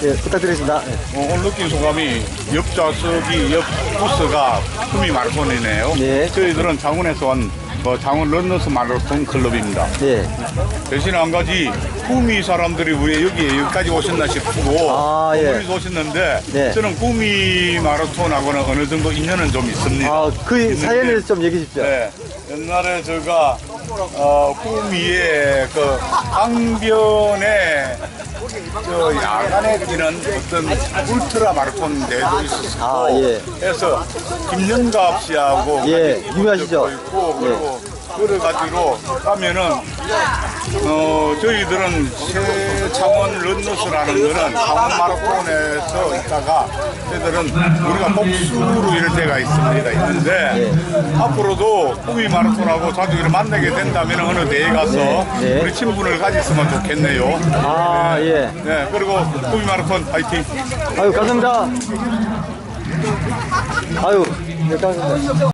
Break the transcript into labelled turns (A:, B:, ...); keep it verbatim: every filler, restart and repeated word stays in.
A: 예, 부탁드리겠습니다. 예.
B: 어, 오늘 느낀 소감이 옆 좌석이 옆 부스가 구미 마라톤이네요.
A: 네.
B: 저희들은 장원에서 온 어, 장원 런너스 마라톤 클럽입니다.
A: 예.
B: 대신에 한 가지 구미 사람들이 왜 여기 여기까지 오셨나 싶고
A: 아, 예.
B: 멀리서 오셨는데
A: 네.
B: 저는 구미 마라톤하고는 어느 정도 인연은 좀 있습니다.
A: 아, 그
B: 있는데,
A: 사연을 좀 얘기해 주십시오.
B: 네. 옛날에 제가 어, 구미에 그 강변에 저 야간에 뛰는 어떤 울트라 마라톤 대회도 있었고
A: 아, 예.
B: 해서 김영갑 씨하고
A: 예,
B: 같이
A: 유명하시죠?
B: 적도 있고 그리고 그래가지고 가면은 어 저희들은 세창원 런너스라는 거는 창원 마라톤에서 있다가 저희들은 우리가 복수로 이럴 때가 있습니다 있는데
A: 예.
B: 앞으로도 구미 마라톤하고 자주 이렇게 만나게 된다면 어느 대회 가서
A: 네, 네.
B: 우리 친분을 가졌으면 좋겠네요.
A: 아, 예.
B: 네, 그리고 구미 마라톤 파이팅.
A: 아유, 감사합니다. 아유, 네, 감사합니다.